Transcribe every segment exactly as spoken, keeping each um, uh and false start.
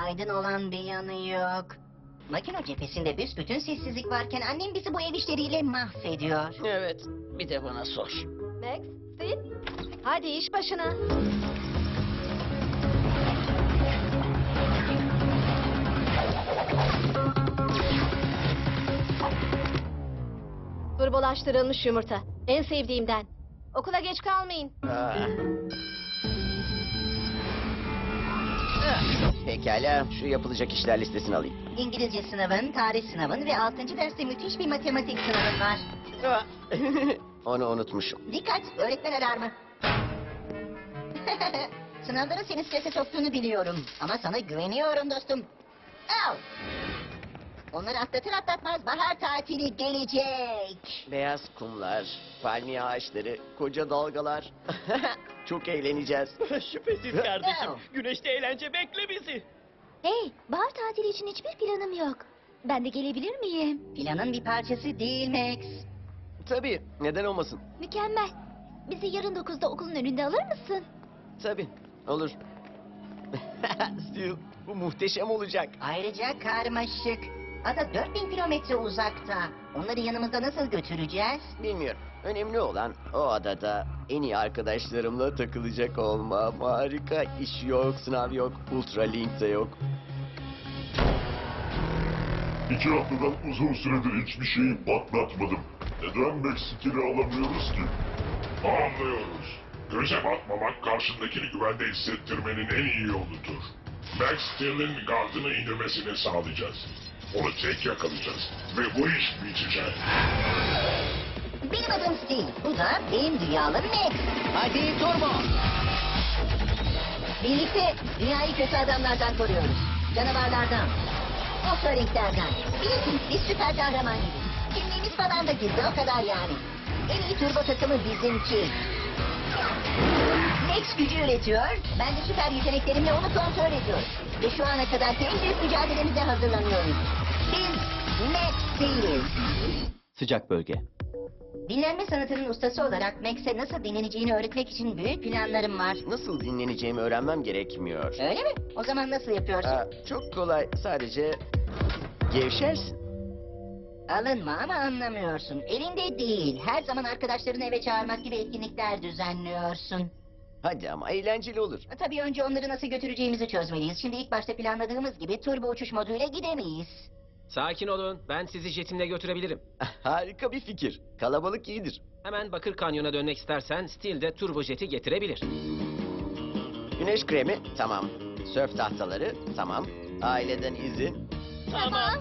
aydın olan bir yanı yok. Makine cephesinde büsbütün sessizlik varken annem bizi bu ev işleriyle mahvediyor. Evet, bir de bana sor. Max, Sid, hadi iş başına. Turbolaştırılmış yumurta. En sevdiğimden. Okula geç kalmayın. Aa. Ah, Pekala, şu yapılacak işler listesini alayım. İngilizce sınavın, tarih sınavın ve altıncı derste müthiş bir matematik sınavın var. Ah, Onu unutmuşum. Dikkat, öğretmen alarmı. Sınavların seni strese soktuğunu biliyorum. Ama sana güveniyorum dostum. Al. Onları atlatır atlatmaz bahar tatili gelecek. Beyaz kumlar, palmiye ağaçları, koca dalgalar. Çok eğleneceğiz. Şüphesiz kardeşim. Güneşte eğlence bekle bizi. Hey, bahar tatili için hiçbir planım yok. Ben de gelebilir miyim? Planın bir parçası değil Max. Tabii, neden olmasın? Mükemmel. Bizi yarın dokuzda okulun önünde alır mısın? Tabii, olur. Steel, bu muhteşem olacak. Ayrıca karmaşık. Ada dört bin kilometre uzakta. Onları yanımızda nasıl götüreceğiz? Bilmiyorum. Önemli olan o adada en iyi arkadaşlarımla takılacak olmam. Harika. İş yok, sınav yok, ultralink de yok. İki haftadan uzun süredir hiçbir şeyi patlatmadım. Neden Meksikili alamıyoruz ki? Anlıyoruz. Göze batmamak karşındakini güvende hissettirmenin en iyi yoludur. Max Steel'in gardını indirmesini sağlayacağız. Onu tek yakalayacağız ve bu iş bitecek. Benim adım Steve. Bu da benim dünyalım Max. Hadi turbo. Birlikte dünyayı kötü adamlardan koruyoruz. Canavarlardan. Offroadinglerden. Bilirsiniz biz süper kahraman gibiyiz. Kimliğimiz falan da gizli o kadar yani. En iyi turbo takımı bizimki. Max gücü üretiyor. Ben de süper yeteneklerimle onu kontrol ediyorum. Ve şu ana kadar en büyük mücadelemize hazırlanıyoruz. Biz Max değiliz. Sıcak bölge. Dinlenme sanatının ustası olarak Max'e nasıl dinleneceğini öğretmek için büyük planlarım var. Nasıl dinleneceğimi öğrenmem gerekmiyor. Öyle mi? O zaman nasıl yapıyorsun? Aa, çok kolay. Sadece gevşersin. Alınma ama anlamıyorsun. Elinde değil. Her zaman arkadaşlarını eve çağırmak gibi etkinlikler düzenliyorsun. Hadi ama eğlenceli olur. Tabii önce onları nasıl götüreceğimizi çözmeliyiz. Şimdi ilk başta planladığımız gibi turbo uçuş moduyla gidemeyiz. Sakin olun. Ben sizi jetimle götürebilirim. Harika bir fikir. Kalabalık iyidir. Hemen Bakır Kanyon'a dönmek istersen Steel de turbojeti getirebilir. Güneş kremi tamam. Sörf tahtaları tamam. Aileden izin. Tamam.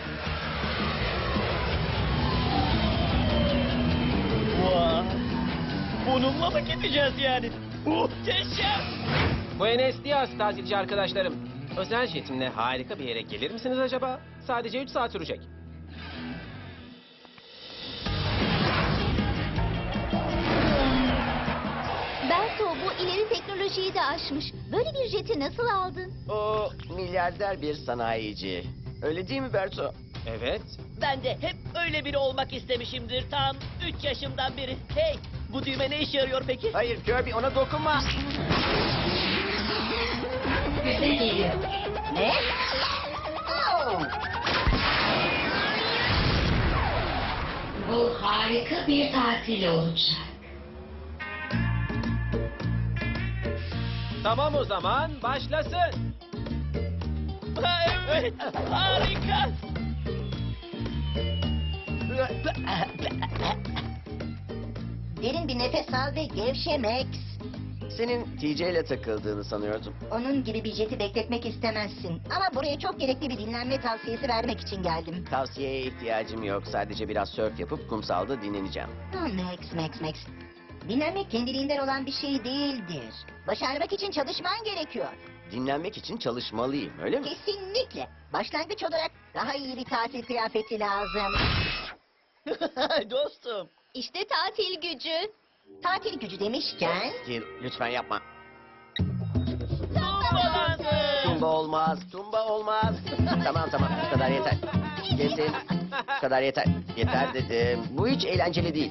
Vay. Bununla mı gideceğiz yani? Muhteşem. Buenos Dias tatilci arkadaşlarım. Özel jetimle harika bir yere gelir misiniz acaba? Sadece üç saat sürecek. Berto, bu ileri teknolojiyi de aşmış. Böyle bir jeti nasıl aldın? O milyarder bir sanayici. Öyle değil mi Berto? Evet. Ben de hep öyle biri olmak istemişimdir tam üç yaşımdan beri. Hey, bu düğme ne işe yarıyor peki? Hayır Kirby ona dokunma. Bize geliyor. Ne? Oh! Bu harika bir tatil olacak. Tamam o zaman başlasın. Ha, evet, harika. Derin bir nefes al ve gevşe Max. Senin T J ile takıldığını sanıyordum. Onun gibi bir jeti bekletmek istemezsin. Ama buraya çok gerekli bir dinlenme tavsiyesi vermek için geldim. Tavsiyeye ihtiyacım yok. Sadece biraz sörf yapıp kumsalda dinleneceğim. Ha, Max, Max, Max. Dinlenmek kendiliğinden olan bir şey değildir. Başarmak için çalışman gerekiyor. Dinlenmek için çalışmalıyım, öyle mi? Kesinlikle. Başlangıç olarak daha iyi bir tatil kıyafeti lazım. Dostum. İşte tatil gücü. Tatil gücü demişken... Steel, lütfen yapma. Tumbalandı. Tumba olmaz, tumba olmaz. Tamam tamam, bu kadar yeter. Kesin, bu kadar yeter. Yeter dedim. Bu hiç eğlenceli değil.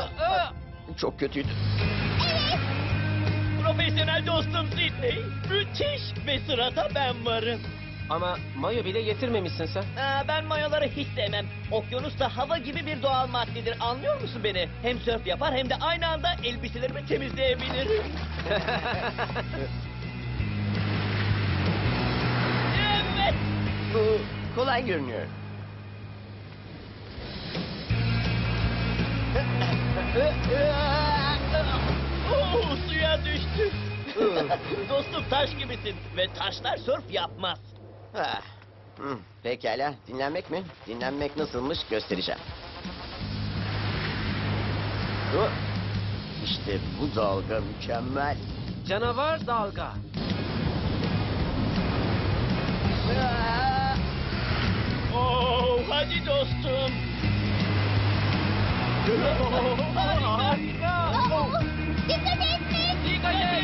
Çok kötüydü. Profesyonel dostum Sidney. Müthiş. Müthiş! Ve sırada ben varım. Ama mayo bile getirmemişsin sen. Aa, ben mayoları hiç sevmem. Okyanus da hava gibi bir doğal maddedir. Anlıyor musun beni? Hem sörf yapar hem de aynı anda elbiselerimi temizleyebilirim. Evet! Bu kolay görünüyor. Oo, suya düştü. Dostum taş gibisin ve taşlar sörf yapmaz. Ah, hmm, pekala. Dinlenmek mi? Dinlenmek nasılmış göstereceğim. Oh, İşte bu dalga mükemmel. Canavar dalga. Ah! Oo, hadi dostum. Harika. Aa, dikkat et Max. Dikkat et.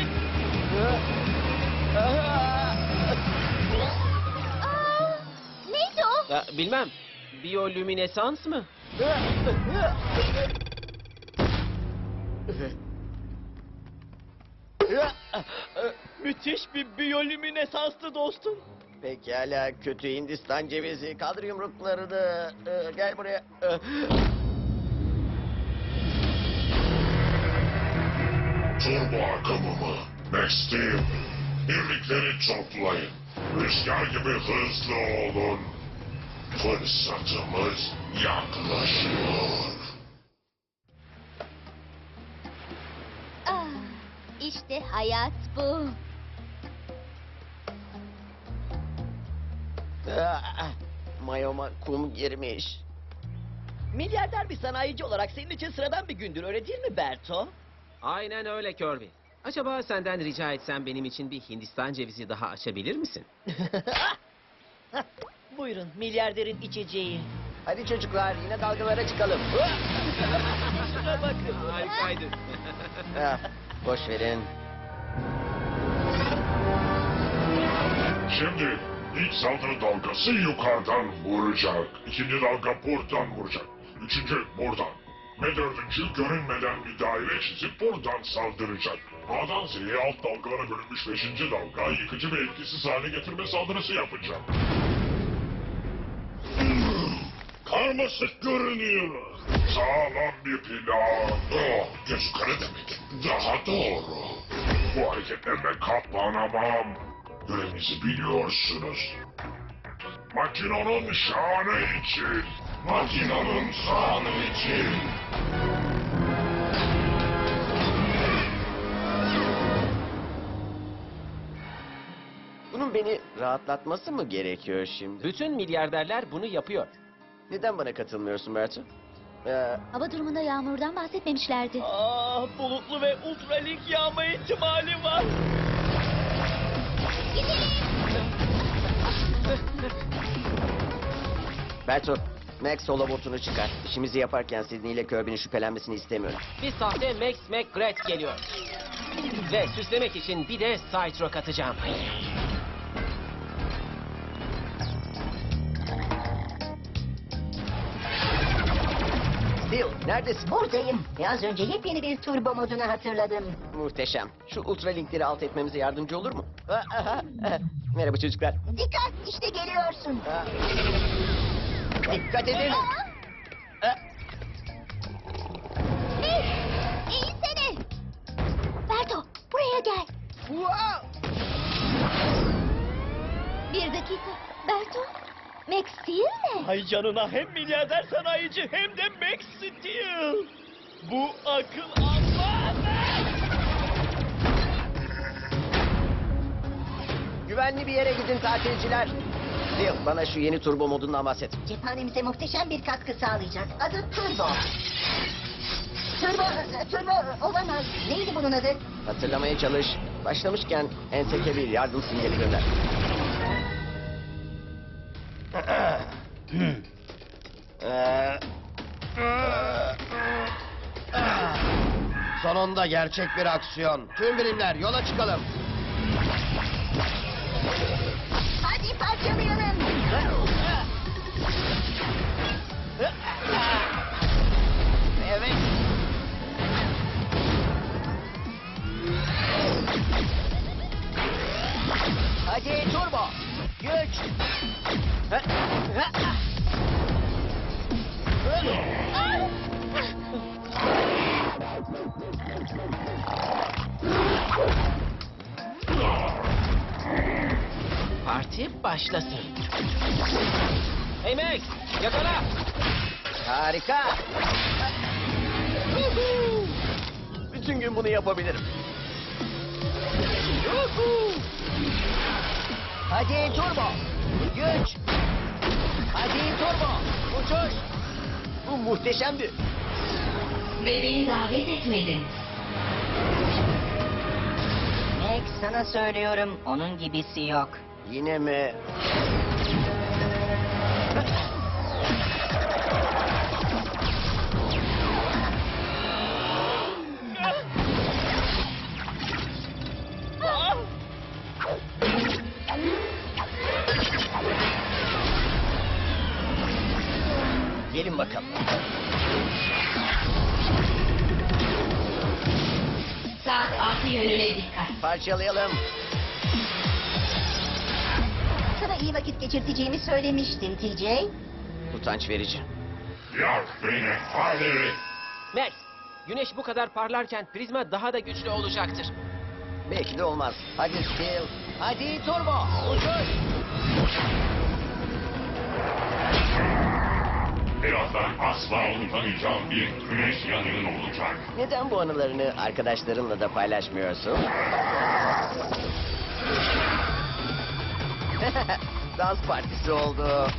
Aa, neydi o? Ya, bilmem. Biyolüminesans mı? Müthiş bir biyolüminesanslı dostum. Pekala kötü Hindistan cevizi. Kaldır yumruklarını. Ee, gel buraya. Ee, Turbo akımımı. Max Steel. Birlikleri toplayın. Rüzgar gibi hızlı olun. Fırsatımız yaklaşıyor. Ah, işte hayat bu. ah, Mayoma kum girmiş. Milyarder bir sanayici olarak senin için sıradan bir gündür öyle değil mi Berto? Aynen öyle Kirby. Acaba senden rica etsem benim için bir Hindistan cevizi daha açabilir misin? Buyurun milyarderin içeceği. Hadi çocuklar yine dalgalara çıkalım. Şuna bakın. Harikaydı. Ah, boş verin. Şimdi ilk saldırı dalgası yukarıdan vuracak. İkinci dalga buradan vuracak. Üçüncü buradan. Ve dördüncü görünmeden bir daire çizip buradan saldıracak. A'dan Z'ye alt dalgalara bölünmüş beşinci dalga yıkıcı ve etkisiz hale getirme saldırısı yapacak. Karmaşık görünüyor. Sağlam bir plan. Oh, göz yukarı demek. Daha doğru. Bu hareketlerle katlanamam. Görevinizi biliyorsunuz. Makinonun şanı için. Makinonun şanı için. Bunun beni rahatlatması mı gerekiyor şimdi? Bütün milyarderler bunu yapıyor. Neden bana katılmıyorsun Bertu? Ee, Hava durumunda yağmurdan bahsetmemişlerdi. Ah, bulutlu ve ultralik yağma ihtimali var. Bertu, Max holobotunu çıkar. İşimizi yaparken Sidney ile Kirby'nin şüphelenmesini istemiyorum. Bir sahte Max McGrath geliyor. Ve süslemek için bir de Cytro katacağım. Steel, neredesin? Buradayım. Ve az önce yepyeni bir turbo modunu hatırladım. Muhteşem. Şu ultralinkleri alt etmemize yardımcı olur mu? Ah, ah, ah. Merhaba çocuklar. Dikkat işte geliyorsun. Ah. Dikkat edin. Ah. Max, eğilsene. Berto, buraya gel. Wow! Bir dakika. Berto, Max değil mi? Ay canına hem milyarder sanayici hem de Max Steel. Bu akıl almaz. Güvenli bir yere gidin tatilciler. Steel, bana şu yeni turbo modundan bahset. Cephanemize muhteşem bir katkı sağlayacak. Adı Turbo. Turbo, Turbo olamaz. Neydi bunun adı? Hatırlamaya çalış. Başlamışken Entek'e bir yardım sinyali gönder. Sonunda gerçek bir aksiyon. Tüm birimler yola çıkalım. Hadi parçalayalım. Evet. Hadi turbo. Güç. Ha, ha. Parti başlasın. Hey Max, yakala. Harika. Bütün gün bunu yapabilirim. Hadi turbo. Güç. Hadi turbo. Uçuş. Bu muhteşemdi. Ve beni davet etmedin. Max, sana söylüyorum, onun gibisi yok. Yine mi? Gelin bakalım. Saat altı yönüne dikkat. Parçalayalım. Sana iyi vakit geçirteceğimi söylemiştin T J. Utanç verici. Yak beni hadi. Max, güneş bu kadar parlarken prizma daha da güçlü olacaktır. Belki de olmaz. Hadi Steel. Hadi turbo. Uçuş. Birazdan asla unutamayacağım bir güneş yanığın olacak. Neden bu anılarını arkadaşlarınla da paylaşmıyorsun? Dans partisi oldu.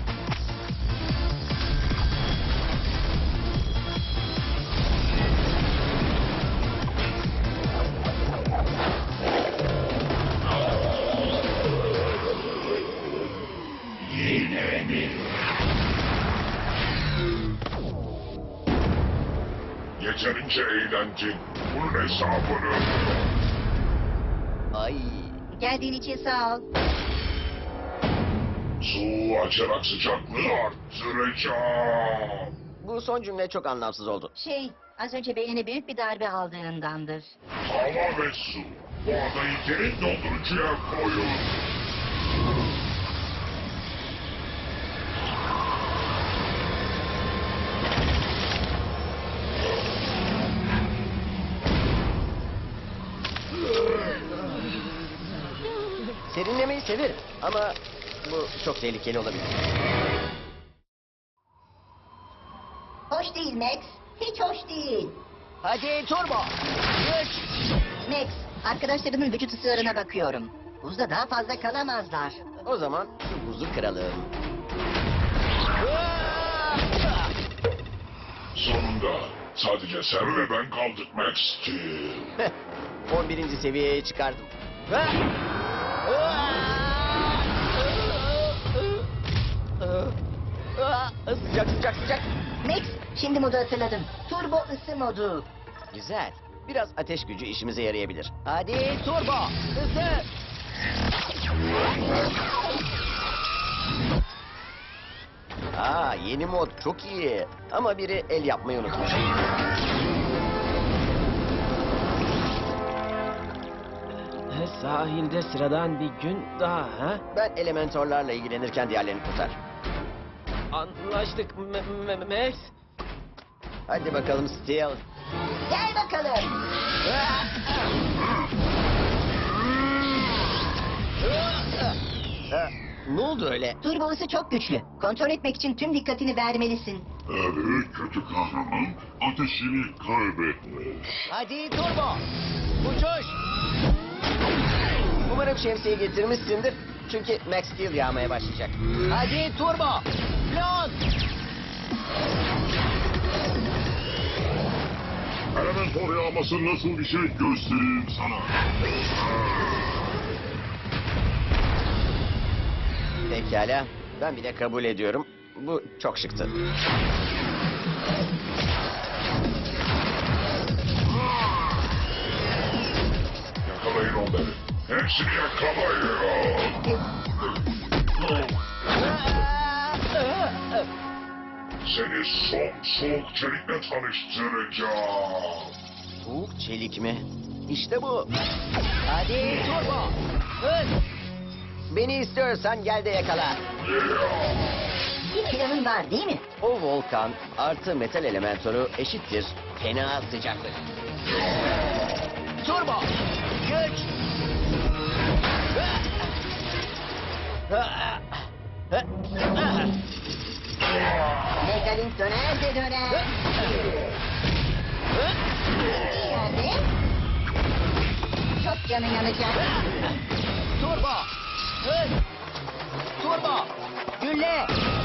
Yine mi? Yeterince eğlenceli. Bunun hesabını. Ay. Geldiğin için sağ ol. Su açarak sıcaklığı arttıracağım. Bu son cümle çok anlamsız oldu. Şey, az önce beynine büyük bir darbe aldığındandır. Hava ve su. Bu adayı derin dondurucuya koyun. Serinlemeyi severim ama bu çok tehlikeli olabilir. Hoş değil Max, hiç hoş değil. Hadi turbo. Güç. Max, arkadaşlarımın vücut ısılarına bakıyorum. Buzda daha fazla kalamazlar. O zaman şu buzu kıralım. Sonunda sadece sen ve ben kaldık Max Steel. on birinci seviyeye çıkardım. Sıcak sıcak sıcak. Max, şimdi modu hatırladım. Turbo ısı modu. Güzel. Biraz ateş gücü işimize yarayabilir. Hadi turbo. Hızlı. Aa, yeni mod çok iyi. Ama biri el yapmayı unutmuş. Sahilde sıradan bir gün daha ha? Ben elementorlarla ilgilenirken diğerlerini kurtar. Anlaştık M- M- Max. Hadi bakalım Steel. Gel bakalım. Ha, ne oldu öyle? Turbo ısı çok güçlü. Kontrol etmek için tüm dikkatini vermelisin. Evet kötü kahraman ateşini kaybetmiş. Hadi turbo. Uçuş. Umarım şemsiye getirmişsindir. Çünkü Max Steel yağmaya başlayacak. Hadi turbo. Pilot. Elementor yağması nasıl bir şey göstereyim sana. Pekala. Ben bile kabul ediyorum. Bu çok şıktı. Yakalayın onları. Hepsini yakalayın. Seni son soğuk çelikle tanıştıracağım. Soğuk çelik mi? İşte bu. Hadi turbo. Hız. Beni istiyorsan gel de yakala. Bir planın var değil mi? O volkan artı metal elemентörü eşittir fena sıcaklık. Turbo! Güç! Megalink döner de döner. İyi yani. Çok canı yanacak. Turbo! Hız! Turbo! Gülle!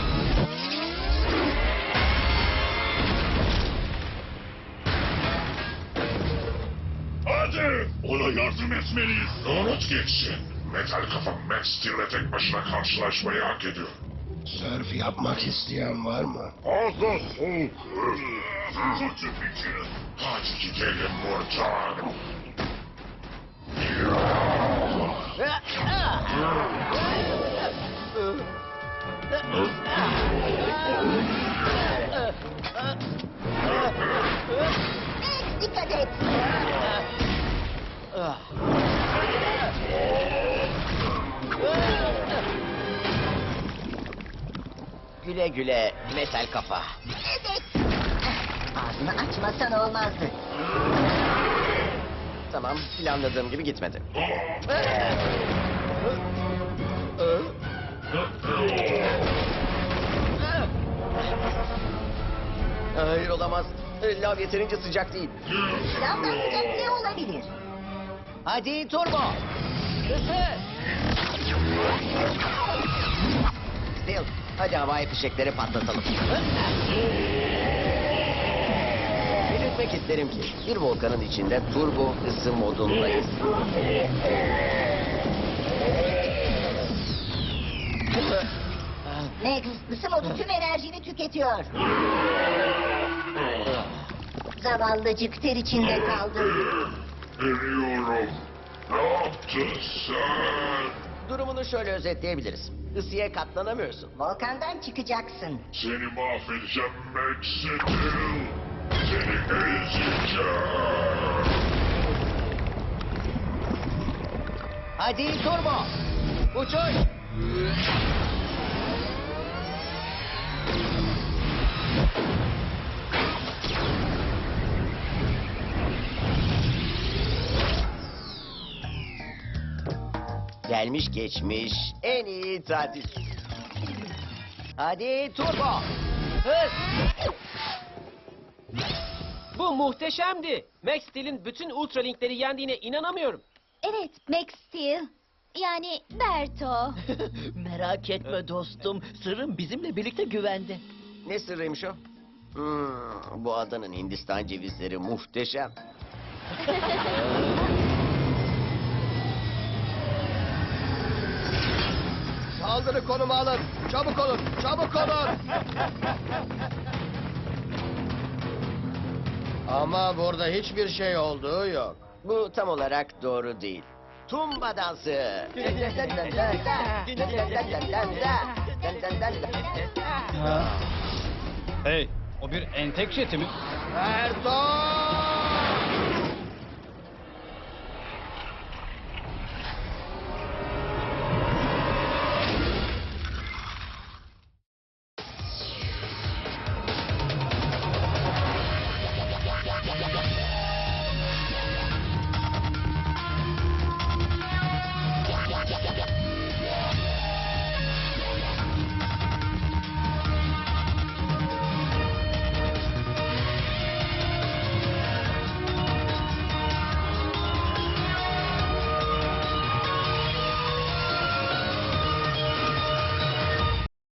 Hadi! Ona yardım etmeliyiz. Unut geçsin. Metal kafa Max Steel'le tek başına karşılaşmayı hak ediyor. Sörf yapmak isteyen var mı? Fazla soğuk. Kötü fikir. Hadi gidelim buradan. Max dikkat et. Güle güle metal kafa. Evet. Ağzını açmasan olmazdı. Tamam, planladığım gibi gitmedi. Hayır, olamaz. Lav yeterince sıcak değil. Lavdan sıcak ne olabilir? Hadi turbo! Hızlı! Steel, hadi havai fişekleri patlatalım. Belirtmek isterim ki bir volkanın içinde turbo ısı modundayız. Max ısı modu tüm enerjini tüketiyor. Zavallıcık ter içinde kaldı. Eriyorum. Ne yaptın sen? Durumunu şöyle özetleyebiliriz. Isıya katlanamıyorsun. Volkandan çıkacaksın. Seni mahvedeceğim Max Steel. Seni ezeceğim. Hadi turbo! Uçuş! Gelmiş geçmiş en iyi tatil. Hadi turbo! Hız! Bu muhteşemdi. Max Steel'in bütün Ultralink'leri yendiğine inanamıyorum. Evet, Max Steel. Yani Berto. Merak etme dostum. Sırrım bizimle birlikte güvende. Ne sırrıymış o? Hmm, bu adanın Hindistan cevizleri muhteşem. Saldırı konumu alın. Çabuk olun. Çabuk olun. Ama burada hiçbir şey olduğu yok. Bu tam olarak doğru değil. Tumba dansı. Hey, o bir entek jeti mi? Erdoğan!